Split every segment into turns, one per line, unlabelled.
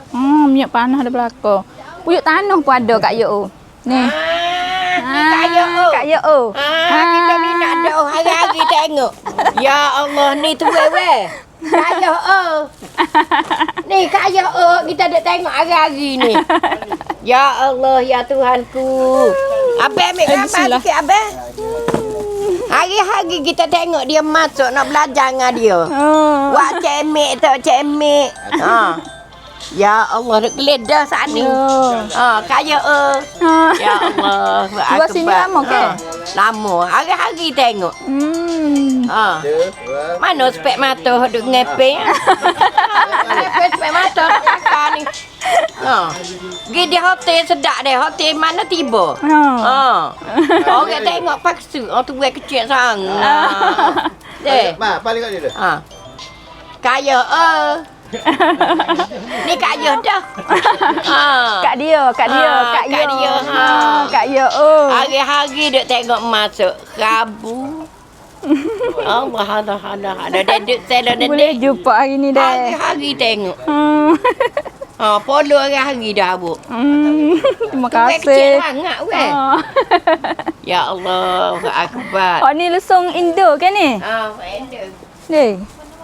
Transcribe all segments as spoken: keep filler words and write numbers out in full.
Oh, minyak panas ada belakang. Puyuk tanah pun ada Kak Yo. Ni.
Ah, Kak Yo.
Kak Yo.
Ah, kita minat dah hari-hari tengok. Ya Allah, ni tu weh. Kak Yo. Ni Kak Yo kita duk tengok hari-hari ni. Ya Allah, ya Tuhanku. Abang ambil gambar sikit abang. Hari-hari kita tengok dia masuk nak belajar dengan dia.
Oh.
Wak cemek tu, cemek. Ha. Ya Allah, duk geledah saat ni. Ha, kaya eh. Ya Allah.
Dua sini lama ke?
Ha. Lama. Hari-hari tengok.
Hmm.
Ha. Mana spek mata duk ngepeng? Ngepeng spek mata kakak ni. Ha. Pergi di hotel sedap deh. Hotel mana tiba? Ha. Orang tengok paksa. Orang tu buat kecil sangat. Deh.
Ma, balik kat dia tu.
Ha. Kaya eh. Ni Kak Yo dah. Ha.
Kak dia, Kak dia,
Ha,
Kak
Kak
Yo.
dia, ha.
Kak Yo. Oh.
Hari-hari duk tengok masuk Rabu. Allah Allah Allah. Ada dedek saya dah
Boleh
dedek.
jumpa hari ni dah.
Hari-hari tengok.
Hmm.
Ha, polo hari-hari dah abuk.
Hmm. Terima
Weh kecil
kasih.
sangat weh.
Oh.
Ya Allah, akbar.
Oh ni lesung Indo kan ni?
Ha, endek.
Ni.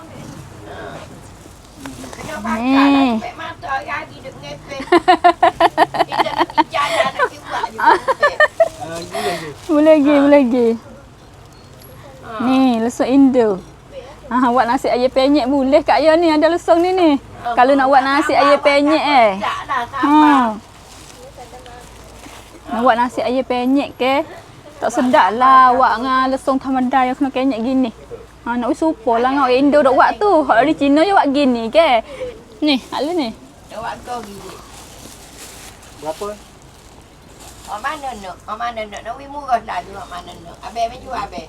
Ni.
Spek mata hari-hari duk ngepek. Kita nak jalan nak pergi buat je.
Boleh lagi, boleh lagi. Ni lesung Indo. Ah, buat nasi ayam penyet boleh Kak Yo ni ada lesung ni ni. Kalau nak buat nasi ayam penyet eh.
Tak lah,
Ha.
sabar.
Nak buat nasi ayam penyet ke? Tak sedap lah buat dengan lesung thamada yang kena kenyek gini. Ha, nak wis supo lah dengan orang Indo dok buat tu. Hak dari Cina je buat gini ke? Ni, hak lu ni.
Awak kau gigi.
Berapa?
Oh mana nak? Oh mana nak? Nak wih murah lah tu. Oh mana nak? Abang mai jual abang.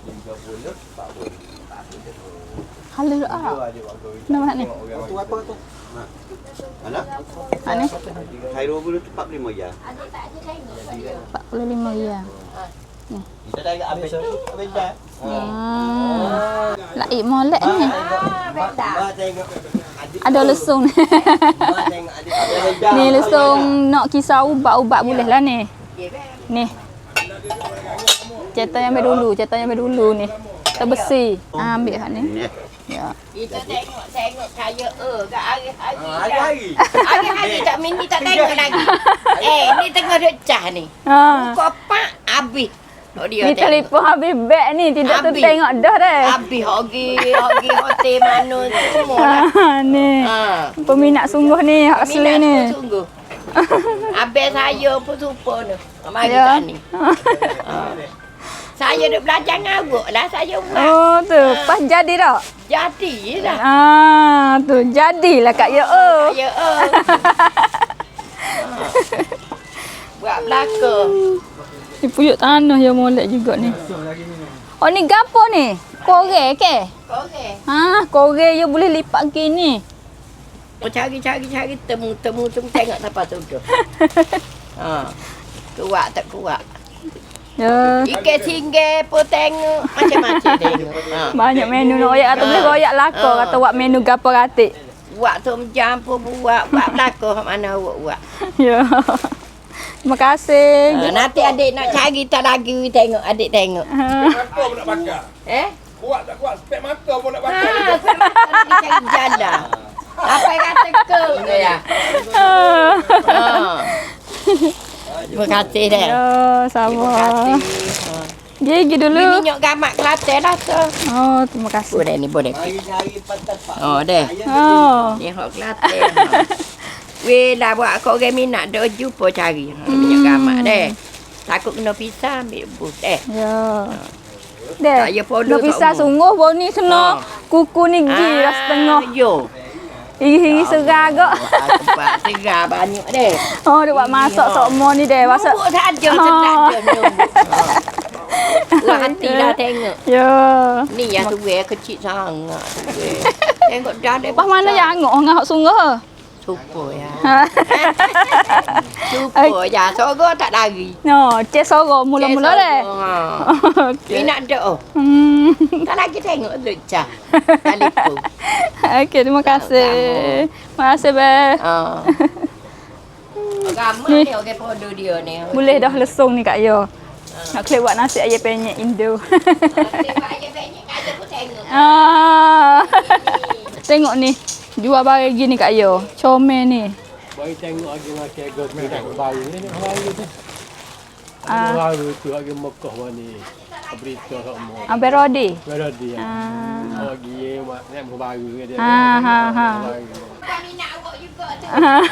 Halu dak ah. Nama ni.
Tu apa tu? Ha. Mana?
Hak ni
Cairo dulu tu empat puluh lima ya.
Ada tak ada tengok.
empat puluh lima riyal.
Kita dah agak habis habis dah.
Ah. Laik molek ni.
Ah, benda.
Ba tengok.
Ada lesung ni.
Ba tengok adik.
Ni lesung nak kisah ubat-ubat boleh lah ni. Ni. Cetak yang ambil dulu, cetak yang ambil dulu ni. Terbesi. Ah, ambil hak ni. Ya.
Kita tengok tengok kaya eh kat hari-hari.
Hari-hari.
Hari-hari tak mini tak tengok lagi. Eh, ni tengah duk cah ni.
Ha.
Buka pak habis. Oh dia
Ni
tengok.
telefon habis beg ni, tidak tu
Habis.
tengok dah dah.
Habis hogi, hogi hotel mana semua lah.
Ha, ni.
Ha.
Peminat sungguh ni, hak asli
Minat
ni.
pun sungguh. Abang saya pun supa ni. Mari
Ya.
kat ni. Ha. Saya duk belajar ngabuk lah saya buat.
Oh tu, pas jadi dah.
Jadi lah.
Ah, tu jadilah Kak Yo. Oh.
Saya eh. Buat belakang.
Ni puyuk tanah yang molek juga ni. Oh ni gapo ni? Kore ke?
Okey.
Ha, kore you boleh lipat gini.
Oh, cari-cari-cari temu-temu temu tengok siapa tuduh. Ha. Kuat tak kuat.
Ya.
Ikan singgah pun tengok macam-macam tengok. Ha.
Banyak menu nak royak atau boleh royak lako
Ha.
kata buat menu gapo ratik.
Buat tom jam pun buat, buat belakang hak mana awak buat.
Ya. Terima kasih.
Ha, nanti adik nak cari tak lagi tengok adik tengok.
Mata pun nak bakar.
Eh?
Kuat tak kuat, spek mata pun nak
Ha,
bakar.
saya nak cari jalan. Apa yang kata ke ya? Ha. Terima kasih dah.
Ya,
Terima
sama.
kasih. Ha.
Dia pergi
Ni
dulu.
minyak gamak Kelantan lah tu.
Oh, terima kasih.
Boleh ni boleh.
Hari-hari pantas pak.
Oh deh.
Oh.
Ni hok Kelantan. Weh lah buat kau orang minat dah jumpa cari. Ha, minyak gamak deh. Takut kena pisah ambil bus eh.
Ya.
Tak
Deh.
payah follow
Nak
tak
pisah
umur.
sungguh bau ni kena
Ha.
kuku ni gi dah setengah.
Yo.
Iri-iri serah gak.
Tempat segar banyak deh.
Oh, dia buat masak sok mo ni deh. Masak.
Numbuk saja
Ha.
sedap je numbuk. Puas hati lah tengok.
Ya.
Ni yang tu weh kecil sangat tu weh. Tengok dah deh.
Pas mana yang angok ngah hak sungguh.
Supo ya.
Ha.
Supo ya. Sorok tak lari.
No, cek sorok mula-mula deh.
Ha.
Okey.
Minat dah oh.
Hmm.
Tak lagi tengok lucah. Telefon.
Okey, terima kasih. Terima kasih, Beh.
Ha. Ramai
Ni.
ni orang produk dia ni.
Boleh dah lesung ni Kak Yo. Nak klik buat nasi ayam penyet Indo.
Tengok aja banyak ada pun tengok.
ah. Tengok ni. Jual barang gini Kak Yo. Comel ni.
Bagi tengok lagi makan got minyak baru ni nak baru tu.
Ah.
Baru tu lagi Mekah ni. Berita semua.
Ambil rodi.
Berada dia.
Ah.
Lagi mak nak baru dia.
Ha ha ha.
Kami nak awak juga tu.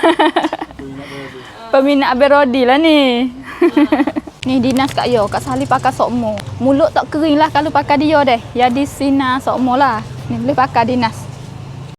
Peminat ambil rodi lah ni. Ni dinas Kak Yo, Kak Sali pakai sokmo. Mulut tak kering lah kalau pakai dia deh. Jadi sinar sokmo lah. Ni boleh pakai dinas.